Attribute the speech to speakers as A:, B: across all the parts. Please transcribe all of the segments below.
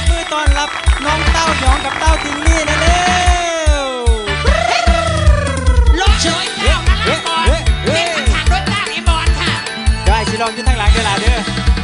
A: บมือต้อนรับน้องเต้าหยองกับเต้าติงลี่นะเร็ว
B: ลงเฉยเต้านักบอลเป็นทางทางด้วยเต้าไอ้บอลค่ะ
A: ได้สิลองอยู่ทั้งหลังเวลาเด้อ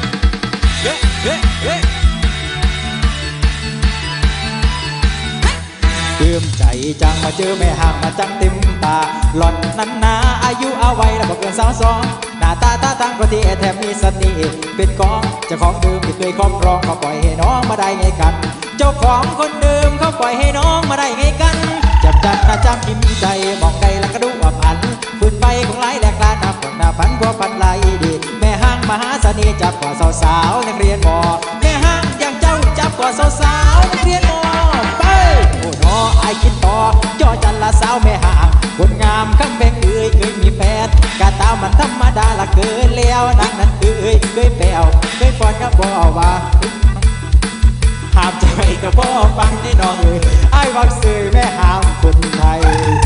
A: เติมใจจังมาเจอแม่ห่างมาจังเต็มตาหล่อนนั้นนาอายุเอาไว้แล้วบอกเกิน22หน้าตาทางประเทศแถมมีเสน่ห์เป็นของเจ้าของเดิมที่เคยครอบครองเขาปล่อยให้น้องมาได้ไงกันเจ้าของคนเดิมเขาปล่อยให้น้องมาได้ไงกันจับจัดนะจำกิมใจมองไกลแล้วก็ดูอับอันฝืนไปของหลายแหลกลานนับหน้าพันกว่าพันไหลดีแม่ห้างมหาเสน่ห์จับกว่าสาวนักเรียนมอแม่ห้างอย่างเจ้าจับกว่าสาวนักเรียนมอไปโอ้น้อไอคิดต่อจ่อจันละสาวแม่ห่างคนงามคำแบงเคยมีแฟนกาตามันธรรมดาละเกินแล้วนางนั้นเคยแปวเคยปอนก็บอกว่าห้ามใจก็บอกฟังที่น้องไอ้วักซื้อแม่ห้ามคนไทย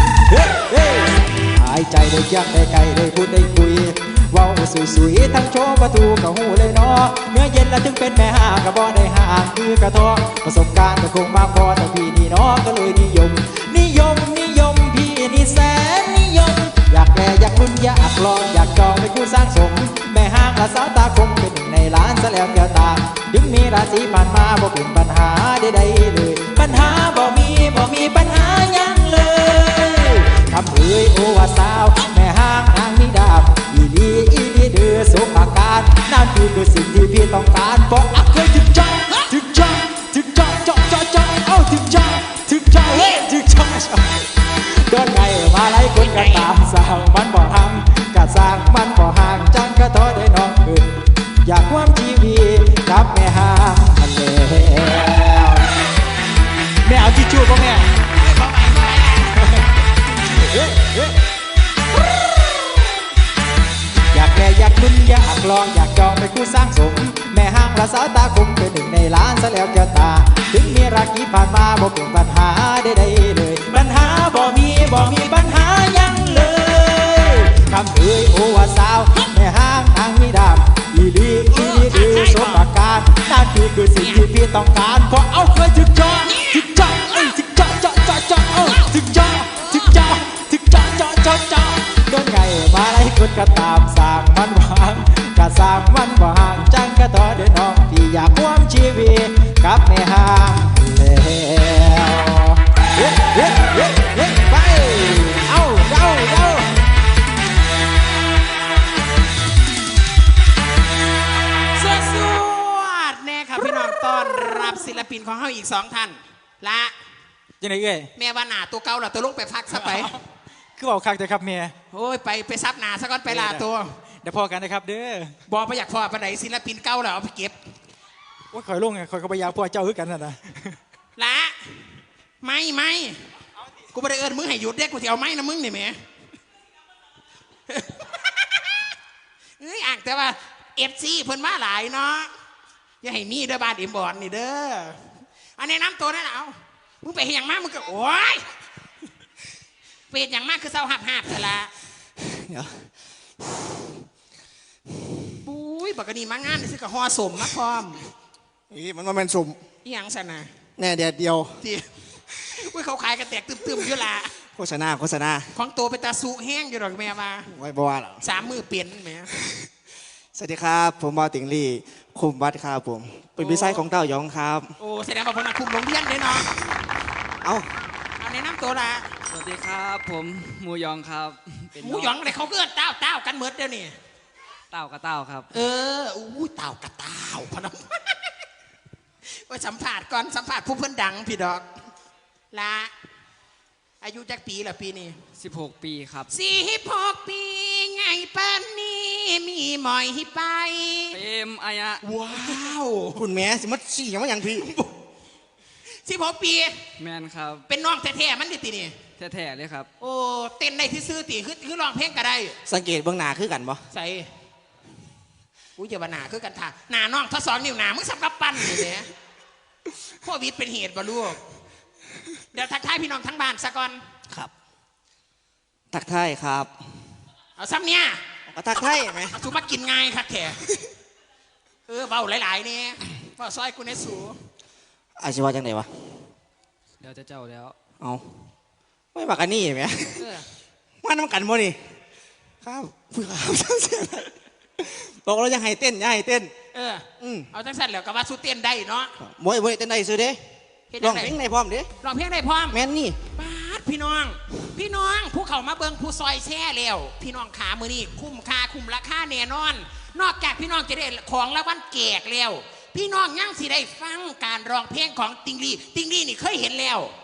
A: หายใจได้เคียงได้ไกลได้พูดได้คุยว้าวสวยๆทั้งโชว์ประตูกับหูเลยเนาะเมื่อเย็นแล้วถึงเป็นแม่ห้างก็บ่ได้ห่างคือกระทอประสบการณ์ก็คงมากพอแต่พี่นี่เนาะก็เลยนิยมพี่นี่แสนนิยมอยากแก่อยากลุ้นอยากลองอยากจองเป็นคู่สร้างสมแม่ห้างและสาวตาคงเป็นหนึ่งในล้านซะแล้วแก้วตาถึงมีราศีผ่านมาบ่เป็นปัญหาใดๆเลยปัญหาบ่มีปัญหายังเลยทำโอว่าสาวแม่ห้างนางมีดาบอีลีเดือสมอาการนั่นคือสิ่งที่พี่ต้องการเพราะเคยถึงใจเอาถึงใจโดนไงมาไล่คนก็ตามสร้างมันบ่ห่างก็สร้างมันบ่ห่างจังก็ท้อได้น้องขึ้นอยากความชีวิตกับแม่ห่างอันแล้วแม่เอาทิชชู่ป่ะแม่อยากแก่อยากลุ้นอยากลองอยากจองเป็นคู่สร้างสมแม่ห้างและสาวตาคงเป็นหนึ่งในล้านซะแล้วแก้วตาถึงมีรักที่ผ่านมาบ่เป็นปัญหาใดๆเลยปัญหาบ่มีปัญหายังเลยคำโอว่าสาวแม่ห้างนางมีดาบอีลีดือสมประการนั่นคือสิ่งที่พี่ต้องการเพราะเอาเคยถึงจอโดนไงมาไล่คนก็ตามสร้างมันวางก็สร้างมันวางจังก็ต่อเดินน้องที่อยากความชีวิตกับแม่ห้างแล้วไปเอา
B: สวัสดีแน่ครับพี่น้องต้อนรับศิลปินของเขาอีก2 ท่านละ
A: ยังไงเอ้ย
B: แม่ว่าหนาตัวเก่าล่ะตัวลงไปพักซะไป
A: คือบอกคักแต่ครับเมีย
B: โอ้ยไปซับหนาซะก่อนไปลาตัว
A: เดี๋ยวพอกันนะครับเด้อ
B: บอกไปอยากพอไปไหนศิลปินเก่าแล้วเอาไปเก็บ
A: ว่าคอยลงไงคอยกระบายาพวกเจ้าคือกันนะ
B: ละไม่กูไม่ได้เอิญมึงให้หยุดเด็กกูจะเอาไม้นะมึงนี่แม่เอ้ยอ่างแต่ว่าFCเพิ่นมาหลายเนาะอย่าให้มีเด้อบ้านอิมบอร์นี่เด้ออันนี้น้ำตัวนั่นเอามึงไปเฮียงมากมึงก็โอ้ยเปลี่ยนอย่างมากคือเศร้าหับแต่ละปุ้ยปกติมางานนี่สิกับฮอสมมาพร้อม
C: มันมาเป็นสม
B: อีหยังสนะ
C: แน่เดียว
B: ที่อุ้ยเขาขายกระแตกตึมๆอยู่ละ
C: โฆษณา
B: ของตัวเป็นตาสุแห้งอยู่หรอกแม่มา
C: ไว้บัวหรอ
B: 3 มือเปลี่ยนแม่
C: สวัสดีครับผมบอติงลี่คุมวัดครับผมเป็นวิสัยของเต้ายองครับ
B: โอ้แสดงว่าผมคุมโรงเรียนเลยเนาะ
C: เอา
B: แนะนำตัวละ
D: สวัสดีครับผมหมูยองครับ
B: หมูยองอะไรเขาเกิดเต้ากันเมิดเดี๋ยวนี้
D: เต้ากับเต้าครับ
B: อู้เต้ากับเต้าพนันว่าสัมผัสก่อนสัมผัสผู้เพื่อนดังพี่ดอกละอายุจักปีละปีนี้
D: 16 ปีครับ
B: 16 ปีไงป้านนี้มีหมอยให้ไป
D: เต็มอายะ
B: ว้าว
C: คุณแม่สิมัดสี่ยังไม่ยังพี่
B: 16 ปี
D: แมนครับ
B: เป็นน้องแท้ๆมันดิตีนี่
D: แท้ๆเลยครับ
B: โอ้เต้นได้ที่ซื้อตีคือร้องเพลงก็ได้
C: สังเกตเบื้องหน้าคือกันบ่
B: ใส่อุ้ยเจ้าหน้าคือกันท่าหน้าน้องทศนิ้วหน้ามึงสับกับปั้นอยู่เนี่ยโควิดเป็นเหตุบ่ลูกเดี๋ยวทักทายพี่น้องทั้งบ้านซะก่อน
C: ครับทักทายครับ
B: เอาซ้ำเนี่ย
C: ก็ทักทายไหม
B: เอาสูมากินง่ายครับแขเบาหลายๆเนี่ยพอซอยกูในสู
C: อาชีวะจังไหนวะ
D: เดี๋ยวจะเจ้าแล้ว
C: เอาไม่บักอันนี้ไหม
B: เออ
C: มาน้ำกันบ่นี่ครับผู้ข่าวเสียงบอกเราจะให้เต้นอย่าให้เต้น
B: เออเอาจังสั่นแล้วก็ว่าสู้เต้นได้เนาะ
C: มวยเต้นได้ซื้อเด้
B: เฮ็ด
C: ร้
B: จั
C: อง
B: งได
C: เพลงในพร้อมเด้
B: ร้องเพลงได้พร้อม
C: แม่นนี่
B: ปาดพี่น้องผู้เขามาเบิงผู้ซอยแช่แล้วพี่น้องขามือนี่คุ้มค่าคุ้มราคาแน่นอน นอกจากพี่น้องจะได้ของรางวัลแจกแล้ว พี่น้องยังสิได้ฟังการร้องเพลงของติงลี่นี่เคยเห็นแล้ว